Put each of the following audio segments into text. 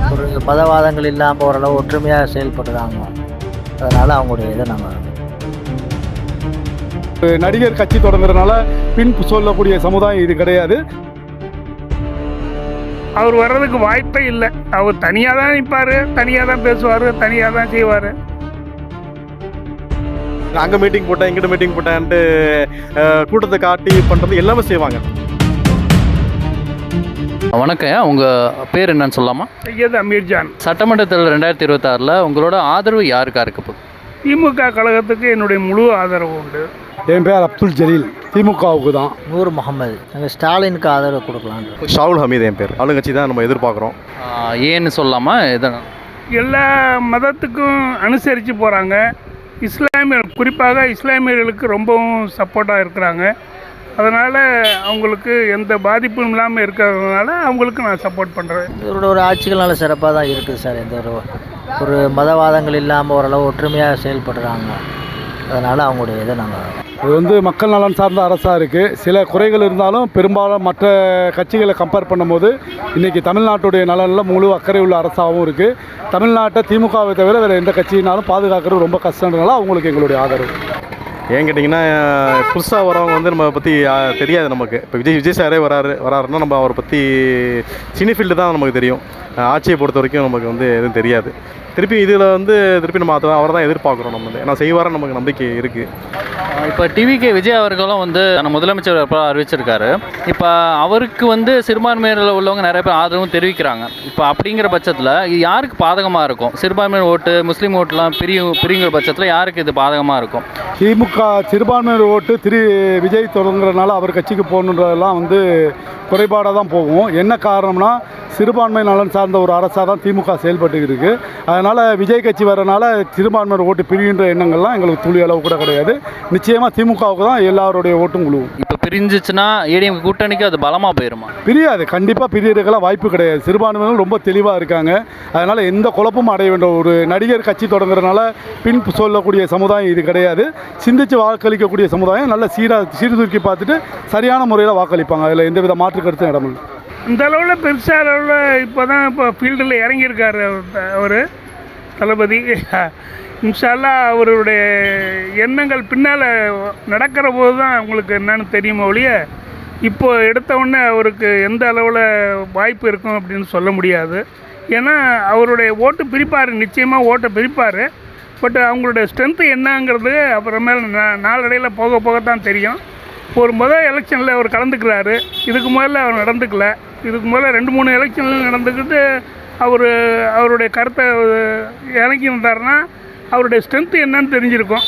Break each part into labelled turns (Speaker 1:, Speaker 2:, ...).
Speaker 1: ஒரு மதவாதங்கள் இல்லாமல் ஓரளவு ஒற்றுமையாக செயல்படுறாங்க. அதனால் அவங்களுடைய இதை நாங்கள்
Speaker 2: நடிகர் கட்சி தொடங்குறதுனால பின் சொல்லக்கூடிய சமுதாயம் இது கிடையாது.
Speaker 3: அவர் வர்றதுக்கு வாய்ப்பே இல்லை. அவர் தனியாக தான் நிற்பார், தனியாக தான் பேசுவார், தனியாக தான் செய்வார்.
Speaker 4: அங்கே மீட்டிங் போட்டேன், இங்கிட்ட மீட்டிங் போட்டேன்ட்டு கூட்டத்தை காட்டி பண்ணுறது எல்லாமே செய்வாங்க.
Speaker 5: வணக்கம், உங்கள் பேர் என்னன்னு சொல்லாமா?
Speaker 3: சையத் அமீர்ஜான்.
Speaker 5: சட்டமன்ற தேர்தல் 2026 உங்களோட ஆதரவு யாருக்கா இருக்க போகுது?
Speaker 3: திமுக கழகத்துக்கு என்னுடைய முழு ஆதரவு உண்டு.
Speaker 2: என் பேர் அப்துல் ஜலீல், திமுகவுக்கு தான்.
Speaker 1: நூர் முகமது, நாங்கள் ஸ்டாலினுக்கு ஆதரவு கொடுக்கலான்னு.
Speaker 4: ஷாவுல் ஹமீத் என் பேர். ஆளுங்கட்சி தான் நம்ம எதிர்பார்க்குறோம்.
Speaker 5: ஏன்னு சொல்லாமா? எதனால்?
Speaker 3: எல்லா மதத்துக்கும் அனுசரித்து போகிறாங்க. இஸ்லாமியர், குறிப்பாக இஸ்லாமியர்களுக்கு ரொம்பவும் சப்போர்ட்டாக இருக்கிறாங்க. அதனால் அவங்களுக்கு எந்த பாதிப்பும் இல்லாமல் இருக்கிறதுனால அவங்களுக்கு நான் சப்போர்ட் பண்ணுறேன்.
Speaker 1: இவரோட ஒரு ஆட்சிகள் நல்ல சிறப்பாக தான் இருக்குது சார். எந்த ஒரு மதவாதங்கள் இல்லாமல் ஓரளவு ஒற்றுமையாக செயல்படுறாங்க. அதனால் அவங்களுடைய இதை நாங்கள்
Speaker 2: இது மக்கள் நலன் சார்ந்த அரசாக இருக்குது. சில குறைகள் இருந்தாலும் பெரும்பாலும் மற்ற கட்சிகளை கம்பேர் பண்ணும்போது இன்றைக்கி தமிழ்நாட்டுடைய நலனில் முழு அக்கறை உள்ள அரசாகவும் இருக்குது. தமிழ்நாட்டை திமுகவை தவிர வேறு எந்த கட்சியினாலும் பாதுகாக்கிறது ரொம்ப கஷ்டன்றனால அவங்களுக்கு எங்களுடைய ஆதரவு.
Speaker 4: ஏன் கேட்டிங்கன்னா, புதுசாக வரவங்க நம்ம பற்றி தெரியாது நமக்கு. இப்போ விஜய் சாரே வராருன்னா நம்ம அவரை பற்றி சினி ஃபீல்டு தான் நமக்கு தெரியும். ஆட்சியை பொறுத்த வரைக்கும் நமக்கு எதுவும் தெரியாது. திருப்பி இதில் திருப்பி நம்ம அவரை தான் எதிர்பார்க்குறோம். நம்ம ஏன்னா செய்வார நமக்கு நம்பிக்கை இருக்குது.
Speaker 5: இப்போ டிவிகே விஜய் அவர்களும் முதலமைச்சர் அறிவிச்சிருக்காரு. இப்போ அவருக்கு சிறுபான்மையினர் உள்ளவங்க நிறைய பேர் ஆதரவும் தெரிவிக்கிறாங்க. இப்போ அப்படிங்கிற பட்சத்தில் இது யாருக்கு பாதகமாக இருக்கும்? சிறுபான்மையினர் ஓட்டு, முஸ்லீம் ஓட்டுலாம் பிரிங்கிற பட்சத்தில் யாருக்கு இது பாதகமாக இருக்கும்?
Speaker 2: திமுக சிறுபான்மையினர் ஓட்டு விஜய் தொடங்குறதுனால அவர் கட்சிக்கு போகணுன்றதெல்லாம் குறைபாடாக தான் போகும். என்ன காரணம்னா, சிறுபான்மை நலன் சார்ந்த ஒரு அரசாக தான் திமுக செயல்பட்டு இருக்குது. அதனால் விஜய் கட்சி வரனால சிறுபான்மையினர் ஓட்டு பிரிகின்ற எண்ணங்கள்லாம் எங்களுக்கு துளி அளவு கூட கிடையாது. நிச்சயமாக திமுகவுக்கு தான் எல்லாருடைய ஓட்டும் குழுவும்.
Speaker 5: இப்போ பிரிஞ்சிச்சுன்னா ஏடிஎம் கூட்டணிக்கு அது பலமாக போயிடுமா?
Speaker 2: பிரியாது, கண்டிப்பாக பிரியறதுக்கெல்லாம் வாய்ப்பு கிடையாது. சிறுபான்மையினர் ரொம்ப தெளிவாக இருக்காங்க. அதனால் எந்த குழப்பமும் அடைய வேண்டும். ஒரு நடிகர் கட்சி தொடங்குறதுனால பின் சொல்லக்கூடிய சமுதாயம் இது கிடையாது. சிந்தித்து வாக்களிக்கக்கூடிய சமுதாயம் நல்ல சீர்தூக்கி பார்த்துட்டு சரியான முறையில் வாக்களிப்பாங்க. அதில் எந்தவித மாற்று கருத்தும் இடமில்லை.
Speaker 3: இந்த அளவில் பெருசாக அளவில் இப்போ ஃபீல்டில் இறங்கியிருக்காரு அவர் தளபதி. இன்ஷால்லா அவருடைய எண்ணங்கள் பின்னால் நடக்கிற போது தான் உங்களுக்கு என்னன்னு தெரியுமோ ஒழிய இப்போ எடுத்த உடனே அவருக்கு எந்த அளவில் வாய்ப்பு இருக்கும் அப்படின்னு சொல்ல முடியாது. ஏன்னா அவருடைய ஓட்டு பிரிப்பார், நிச்சயமாக ஓட்டை பிரிப்பார். பட் அவங்களுடைய ஸ்ட்ரென்த்து என்னங்கிறது அப்புறமேல நாளடையில் போக போகத்தான் தெரியும். ஒரு முதல் எலெக்ஷனில் அவர் கலந்துக்கிறாரு. இதுக்கு முதல்ல அவர் நடந்துக்கல. இதுக்கு முதல்ல 2-3 எலெக்ஷனில் நடந்துக்கிட்டு அவருடைய கருத்தை இறங்கி வந்தாருன்னா அவருடைய ஸ்ட்ரென்த்து என்னன்னு தெரிஞ்சிருக்கும்.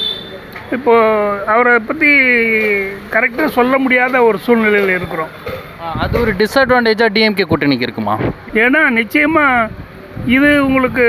Speaker 3: இப்போது அவரை பற்றி கரெக்டாக சொல்ல முடியாத ஒரு சூழ்நிலையில் இருக்கிறோம்.
Speaker 5: அது ஒரு டிஸ்அட்வான்டேஜாக டிஎம்கே கூட்டணிக்கு இருக்குமா?
Speaker 3: ஏன்னா நிச்சயமாக இது உங்களுக்கு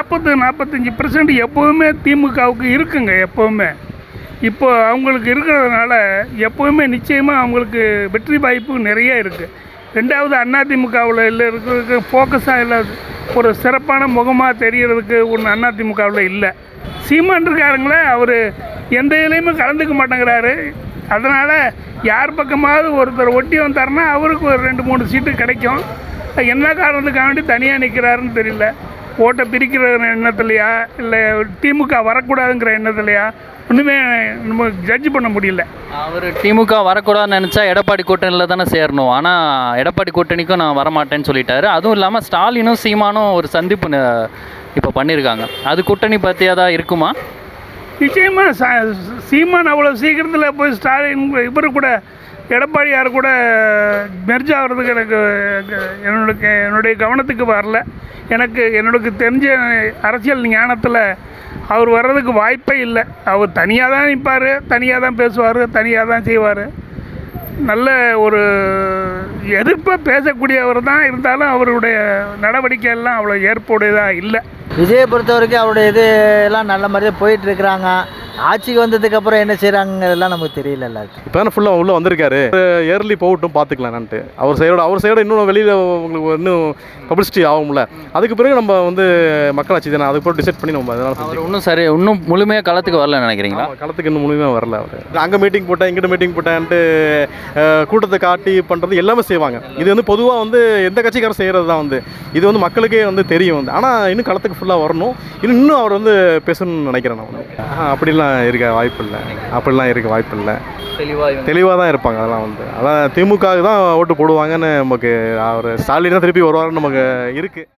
Speaker 3: 40-45% எப்போவுமே திமுகவுக்கு இருக்குங்க. எப்போவுமே இப்போ அவங்களுக்கு இருக்கிறதுனால எப்போவுமே நிச்சயமாக அவங்களுக்கு வெற்றி வாய்ப்பு நிறைய இருக்குது. ரெண்டாவது அதிமுகவில் இல்லை இருக்கிறதுக்கு ஃபோக்கஸாக இல்லை, ஒரு சிறப்பான முகமாக தெரிகிறதுக்கு ஒன்று அதிமுகவில் இல்லை. சீமான் இருக்காருங்களே, அவர் எந்த இதுலேயுமே கலந்துக்க மாட்டேங்கிறாரு. அதனால் யார் பக்கமாவது ஒருத்தர் ஒட்டி வந்தாருன்னா அவருக்கு ஒரு 2-3 சீட்டு கிடைக்கும். என்ன காரணத்துக்காக வேண்டி தனியாக நிற்கிறாருன்னு தெரியல. ஓட்டை பிரிக்கிற எண்ணத்துலையா இல்லை திமுக வரக்கூடாதுங்கிற எண்ணத்துலையா ஒன்றுமே நம்ம ஜட்ஜ் பண்ண முடியல.
Speaker 5: அவர் திமுக வரக்கூடாதுன்னு நினச்சா எடப்பாடி கூட்டணியில் தானே சேரணும். ஆனால் எடப்பாடி கூட்டணிக்கும் நான் வரமாட்டேன்னு சொல்லிட்டாரு. அதுவும் இல்லாமல் ஸ்டாலினும் சீமானும் ஒரு சந்திப்பு இப்போ பண்ணியிருக்காங்க. அது கூட்டணி பற்றியாக தான் இருக்குமா?
Speaker 3: நிச்சயமாக சீமான் அவ்வளோ சீக்கிரத்தில் போய் ஸ்டாலின் இவர் கூட எடப்பாடியார் கூட மெர்ஜ் ஆகிறதுக்கு என்னுடைய கவனத்துக்கு வரல. எனக்கு தெரிஞ்ச அரசியல் ஞானத்தில் அவர் வர்றதுக்கு வாய்ப்பே இல்லை. அவர் தனியாக தான் நிற்பார், தனியாக தான் பேசுவார், தனியாக தான் செய்வார். நல்ல ஒரு எதிர்ப்பாக பேசக்கூடியவர் தான். இருந்தாலும் அவருடைய நடவடிக்கையெல்லாம் அவ்வளோ ஏற்புடையதாக இல்லை.
Speaker 1: விஜயை பொறுத்த வரைக்கும் அவருடைய இது எல்லாம் நல்ல மாதிரியே போயிட்டுருக்குறாங்க. ஆட்சிக்கு வந்ததுக்கப்புறம் என்ன செய்கிறாங்கிறதெல்லாம் நமக்கு தெரியல.
Speaker 4: இப்போ தானே ஃபுல்லாக உள்ளே வந்திருக்காரு, இயர்லி போகட்டும் பார்த்துக்கலான்ட்டு. அவர் சைடோட இன்னும் வெளியில் உங்களுக்கு இன்னும் பப்ளிசிட்டி ஆகும்ல, அதுக்கு பிறகு நம்ம வந்து மக்களாட்சி தானே, அதுக்கு பிறகு டிசைட் பண்ணி நம்ம அதனால்
Speaker 5: அவர் இன்னும் முழுமையாக களத்துக்கு வரலன்னு நினைக்கிறீங்களா?
Speaker 4: களத்துக்கு இன்னும் முழுமையாக வரல. அவர் அங்கே மீட்டிங் போட்டேன், இங்கிட்ட மீட்டிங் போட்டேன்ட்டு கூட்டத்தை காட்டி பண்ணுறது எல்லாமே செய்வாங்க. இது வந்து பொதுவாக வந்து எந்த கட்சிக்காரர் செய்கிறது தான் வந்து இது வந்து மக்களுக்கே வந்து தெரியும் வந்து. ஆனால் இன்னும் களத்துக்கு ஃபுல்லாக வரணும், இன்னும் அவர் வந்து பேசணும்னு நினைக்கிறேன் நான் வந்து. அப்படிலாம் இருக்க வாய்ப்பு இல்லை, அப்படிலாம் இருக்க வாய்ப்பு இல்லை. தெளிவாக தான் இருப்பாங்க. அதெல்லாம் வந்து அதான் திமுகவுக்கு தான் ஓட்டு போடுவாங்கன்னு நமக்கு, அவர் ஸ்டாலின் தான் திருப்பி வருவாருன்னு நமக்கு இருக்குது.